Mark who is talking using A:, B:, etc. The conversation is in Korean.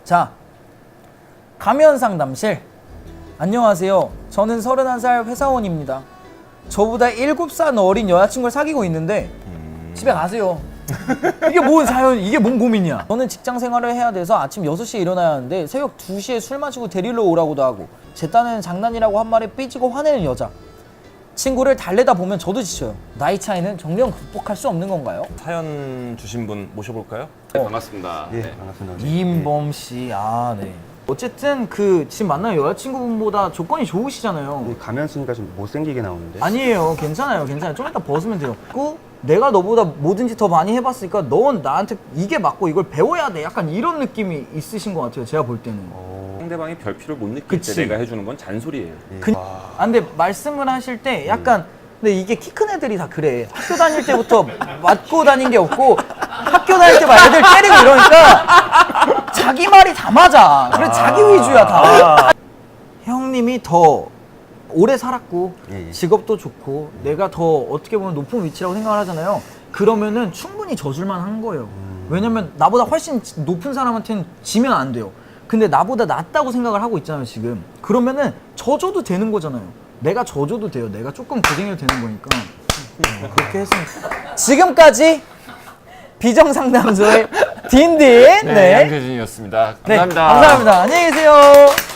A: 자, 가면 상담실. 안녕하세요. 저는 31살 회사원입니다. 저보다 7살 어린 여자친구를 사귀고 있는데 집에 가세요. 이게 뭔 사연, 이게 뭔 고민이야. 저는 직장 생활을 해야 돼서 아침 6시에 일어나야 하는데 새벽 2시에 술 마시고 데리러 오라고도 하고 제 딴에는 장난이라고 한 말에 삐지고 화내는 여자. 친구를 달래다 보면 저도 지쳐요. 나이 차이는 정령 극복할 수 없는 건가요?
B: 사연 주신 분 모셔볼까요?
C: 네, 반갑습니다.
D: 예,
C: 네.
D: 반갑습니다.
A: 이인범 씨, 아 네. 어쨌든 그 지금 만나는 여자친구분보다 조건이 좋으시잖아요.
D: 가면 쓰니까 좀 못생기게 나오는데.
A: 아니에요, 괜찮아요, 괜찮아요. 좀 이따 벗으면 돼요. 그 내가 너보다 뭐든지 더 많이 해봤으니까 넌 나한테 이게 맞고 이걸 배워야 돼. 약간 이런 느낌이 있으신 것 같아요. 제가 볼 때는.
C: 상대방이 별필요를 못 느낄
A: 그치.
C: 때 내가 해주는 건 잔소리예요.
A: 아, 근데 말씀을 하실 때 약간 근데 이게 키 큰 애들이 다 그래. 학교 다닐 때부터 맞고 다닌 게 없고 학교 다닐 때 막 애들 때리고 이러니까 자기 말이 다 맞아. 그래 자기 위주야 다. 형님이 더 오래 살았고
D: 예.
A: 직업도 좋고 내가 더 어떻게 보면 높은 위치라고 생각을 하잖아요. 그러면은 충분히 져줄만 한 거예요. 왜냐면 나보다 훨씬 높은 사람한테는 지면 안 돼요. 근데 나보다 낫다고 생각을 하고 있잖아요 지금. 그러면은 져줘도 되는 거잖아요. 내가 져줘도 돼요. 내가 조금 고생해도 되는 거니까. 그렇게 했으면. 지금까지 비정상담소의 딘딘
C: 네, 양재진이었습니다.
A: 네,
C: 감사합니다.
A: 감사합니다. 안녕히 계세요.